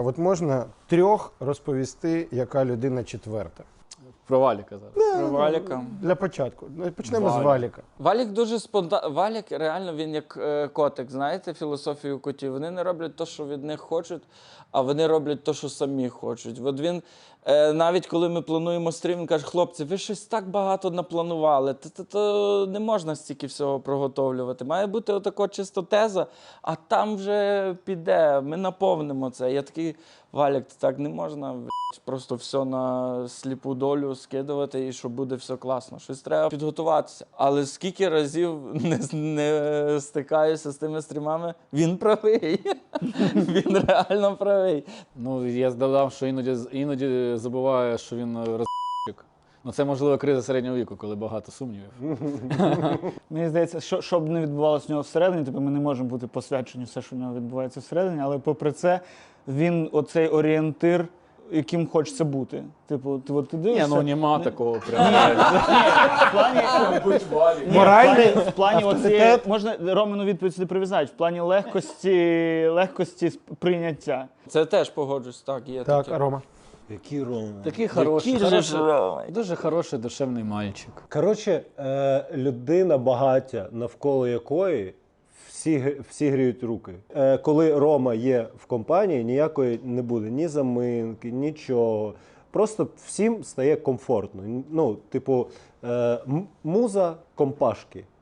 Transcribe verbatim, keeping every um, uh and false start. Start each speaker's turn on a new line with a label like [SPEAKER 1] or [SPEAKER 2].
[SPEAKER 1] от можна трьох розповісти, яка людина четверта.
[SPEAKER 2] Про Валіка зараз.
[SPEAKER 3] Про Валіка.
[SPEAKER 1] Для початку. Почнемо
[SPEAKER 2] Валік.
[SPEAKER 1] з Валіка.
[SPEAKER 3] Валік дуже спонтанний. Валік реально він як е, котик, знаєте, філософію котів. Вони не роблять те, що від них хочуть, а вони роблять те, що самі хочуть. От він, е, навіть коли ми плануємо стрім, він каже, хлопці, ви щось так багато напланували, то не можна стільки всього проготовлювати. Має бути отако чисто теза, а там вже піде, ми наповнимо це. Я такий, Валік, так не можна, просто все на сліпу долю скидувати і що буде все класно. Щось треба підготуватися. Але скільки разів не, не стикаюся з тими стрімами, він правий. Він реально правий.
[SPEAKER 2] Ну, я додав, що іноді, іноді забуває, що він роз***чик. Ну, це, можливо, криза середнього віку, коли багато сумнівів.
[SPEAKER 4] Мені здається, що, що б не відбувалося в нього всередині, тобто ми не можемо бути посвячені все, що в нього відбувається всередині, але попри це, він оцей орієнтир, яким хочеться бути. Типу, ти, от, ти
[SPEAKER 2] Ні,
[SPEAKER 4] дивишся...
[SPEAKER 2] ну нема такого прямо.
[SPEAKER 4] В плані... Ні,
[SPEAKER 1] Моральний
[SPEAKER 4] в плані, в плані оцієї... Можна Роману відповідь сюди прив'язати. В плані легкості, легкості прийняття.
[SPEAKER 3] Це теж погоджусь, так, є
[SPEAKER 1] Так,
[SPEAKER 3] таке.
[SPEAKER 1] Рома.
[SPEAKER 5] Який Рома?
[SPEAKER 2] Такий хороший,
[SPEAKER 3] Який же ж
[SPEAKER 2] хороший,
[SPEAKER 3] Рома?
[SPEAKER 2] дуже хороший, душевний мальчик.
[SPEAKER 5] Коротше, е, людина багаття, навколо якої всі, г- всі гріють руки. Е, коли Рома є в компанії, ніякої не буде ні заминки, нічого. Просто всім стає комфортно. Ну, типу, е, м- муза компашки.